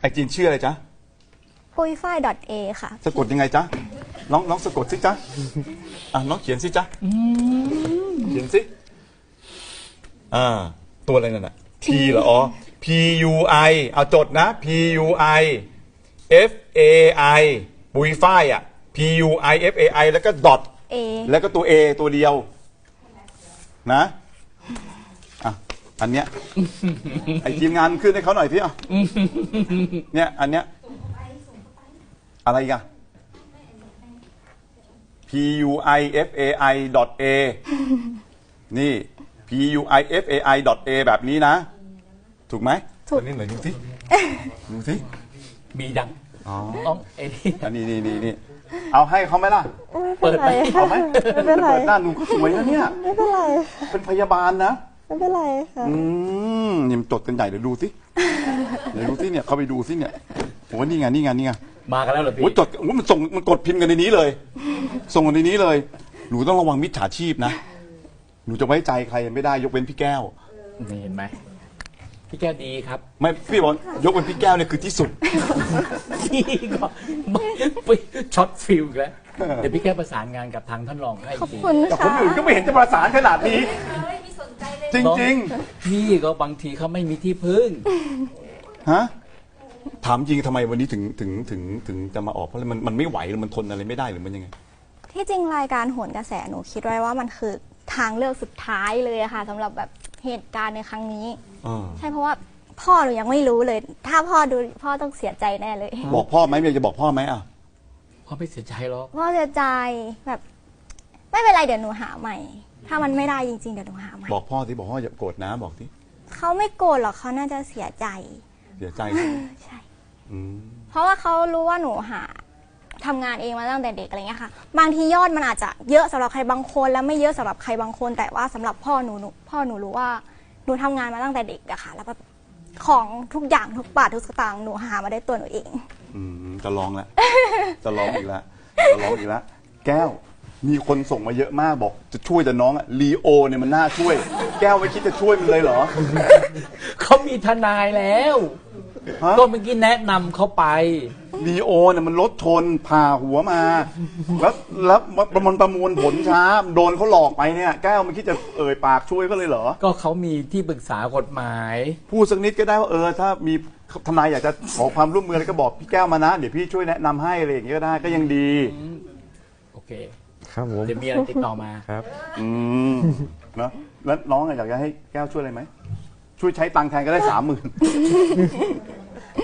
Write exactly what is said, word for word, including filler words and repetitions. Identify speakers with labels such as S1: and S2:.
S1: ไอจีนชื่ออะไรจ๊ะ
S2: ปุยฝ้าย .a ค่ะ
S1: สะกดยังไงจ๊ะน้องน้องสะกดสิจ๊ะอ่ะน้องเขียนสิจ๊ะเขียนสิอ่าตัวอะไรนั่นน่ะ P เหรออ๋อ P U I เอาจดนะ P U I F A I ปุยฝ้ายอ่ะ P U I F A I แล้วก็ dot
S2: A
S1: แล้วก็ตัว A ตัวเดียวนะอ่ะอันเนี้ยไอทีมงานขึ้นให้เขาหน่อยพี่อ่ะเนี่ยอันเนี้ยอะไรกัน P U I F A I dot A นี่ P U I F A I dot A แบบนี้นะถูกไหมถูกอันนี้หน่อยดูสิดูสิ
S3: มีดัง
S1: อ๋อ
S3: ต้องเอ็
S1: อันนี้นี่นี่นี่เอาให้เขาไหมล่ะ
S2: ไม่เป็นไร
S1: เอาไหม
S2: ไม่เป็นไร
S1: เปิดหน้าหนูก็สวยนะเนี่ย
S2: ไม่เป็นไร
S1: เป็นพยาบาลนะ
S2: ไม่เป็นไรค่ะ
S1: อืมนี่มันจดกันใหญ่เดี๋ยวดูสิเดี๋ยวดูสิเนี่ยเขาไปดูสิเนี่ยโอ้นี่ไงนี่ไงนี่ไง
S3: มากันแล้วเหรอพี่
S1: โอ้จดโอ้มันส่งมันกดพิมพ์กันในนี้เลยส่งกันในนี้เลยหนูต้องระวังมิจฉาชีพนะหนูจะไว้ใจใครไม่ได้ยกเว้นพี่แก้ว
S3: นี่เห็นไหมพี่แก้วดีครับ
S1: ไม่พี่บอกยกเว้นพี่แก้วเนี่ยคือที่สุด
S3: พี่ก็ไปช็อตฟิลแล้วเดี๋ยวพี่แก้วประสานงานกับทางท่านรองให้
S2: ขอบคุณค่ะ
S1: แต่คนอื่นก็ไม่เห็นจะประสานขนาดนี้จริง
S3: ๆพี่ก็บางทีเขาไม่มีที่พึ่ง
S1: ฮะถามจริงทำไมวันนี้ถึงถึงถึงถึงจะมาออกเพราะมันมันไม่ไหวหรือมันทนอะไรไม่ได้หรือมันยังไง
S2: ที่จริงรายการโหนกระแสหนูคิดไว้ว่ามันคือทางเลือกสุดท้ายเลยค่ะสำหรับแบบเหตุการณ์ในครั้งนี้ใช่เพราะว่าพ่อหนูยังไม่รู้เลยถ้าพ่อดูพ่อต้องเสียใจแน่เลย
S1: บอกพ่อไหมเมียจะบอกพ่อไหมอ่ะ
S3: พ่อไม่เสียใจหรอก
S2: พ่อเสียใจแบบไม่เป็นไรเดี๋ยวหนูหาใหม่ถ้ามันไม่ได้จริงๆเดี๋ยวหนูหาใหม่
S1: บอกพ่อที่บอกพ่ออย่าโกรธนะบอกที่
S2: เขาไม่โกรธหรอกเขาน่าจะเสียใจ
S1: เสียใจ
S2: ใช่เพราะว่าเขารู้ว่าหนูหาทำงานเองมาตั้งแต่เด็กอะไรเงี้ยค่ะบางทียอดมันอาจจะเยอะสำหรับใครบางคนแล้วไม่เยอะสำหรับใครบางคนแต่ว่าสำหรับพ่อหนูหนูพ่อหนูรู้ว่าหนูทำงานมาตั้งแต่เด็กอะค่ะแล้วแบบของทุกอย่างทุกบาททุกสตางค์หนูหามาได้ตัวหนูเอง
S1: อืมจะร้องแล้วจะร้องอีกแล้วจะร้องอีกแล้วแก้วมีคนส่งมาเยอะมากบอกจะช่วยแต่น้องอะลีโอเนี่ยมันน่าช่วยแก้วไม่คิดจะช่วยมันเลยเหรอ
S3: เขามีทนายแล้วก็เมื่อกี้แนะนำเขาไป
S1: ลีโอเนี่ยมันรถชนผ่าหัวมาแล้วแล้วประมวลประมวลผลช้าโดนเขาหลอกไปเนี่ยแก้วไม่คิดจะเอ่ยปากช่วยก็เลยเหรอ
S3: ก็เขามีที่ปรึกษากฎหมาย
S1: พูดสักนิดก็ได้ว่าเออถ้ามีทนายอยากจะขอความร่วมมืออะไรก็บอกพี่แก้วมานะเดี๋ยวพี่ช่วยแนะนำให้อะไรอย่างเงี้ยก็ได้ก็ยังดี
S3: โอเค
S4: ครับผม
S3: เดี๋ยวมีอะไรติดต่อมา
S4: ครับ
S1: อืมเนาะแล้วน้องอยากจะให้แก้วช่วยอะไรไหมช่วยใช้ตังค์แทนก็ได้สามหมื่น